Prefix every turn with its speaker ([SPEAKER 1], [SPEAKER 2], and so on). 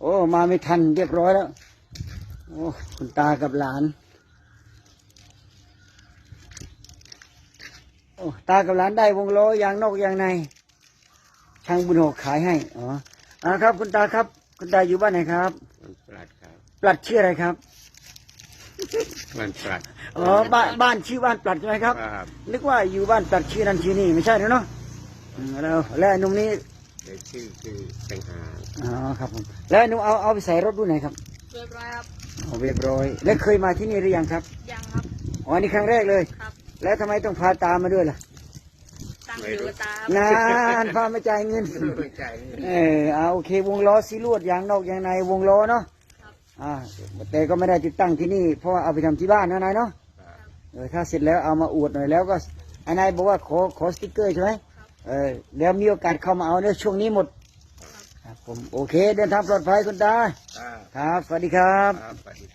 [SPEAKER 1] โอ้มาไม่ทันเรียบร้อยแล้วโอ้คุณตากับหลานโอ้ตากับหลานได้วงล้อยางนอกยางในช่างบุญหกขายให้อ๋อครับคุณตาครับคุณตาอยู่บ้านไหนครับ
[SPEAKER 2] ปลัดครับ
[SPEAKER 1] ปลัดชื่ออะไรครับ
[SPEAKER 2] มันปลัด
[SPEAKER 1] อ๋อบ้านชื่อบ้านปลัดใช่ไหมครับนึกว่าอยู่บ้านปลัดชื่อนั้นชื่อนี้ไม่ใช่เนาะแล้วหนุ่มนี้
[SPEAKER 2] เดี๋ยวชื่อแต่งหา
[SPEAKER 1] อ๋อครับผมแล้วหนุ่มเอาไปใส่รถด้วยไหนครับ
[SPEAKER 3] เรียบร้อยครับ
[SPEAKER 1] เรียบร้อยแล้วเคยมาที่นี่หรือยังครับ
[SPEAKER 3] ยังครับ
[SPEAKER 1] อ๋อนี่ครั้งแรกเลย
[SPEAKER 3] ครับ
[SPEAKER 1] แล้วทำไมต้องพาตามาด้วยล่ะ
[SPEAKER 3] ตั้งอยู่กับตา
[SPEAKER 1] นานพามาจ่ายเงินโอเควงล้อซีลวดยางนอกยางในวงล้อเนาะแต่ก็ไม่ได้ติดตั้งที่นี่เพราะว่าเอาไปทำที่บ้านนะนายเนาะถ้าเสร็จแล้วเอามาอวดหน่อยแล้วก็นายบอกว่าขอสติ๊กเกอร์ใช่ไหมเดี๋ยวมีโอกาสเข้ามาเอาเนี่ยช่วงนี้หมดครับผมโอเคเดินทางปลอดภัยคุณตาครับสวัสดีครับ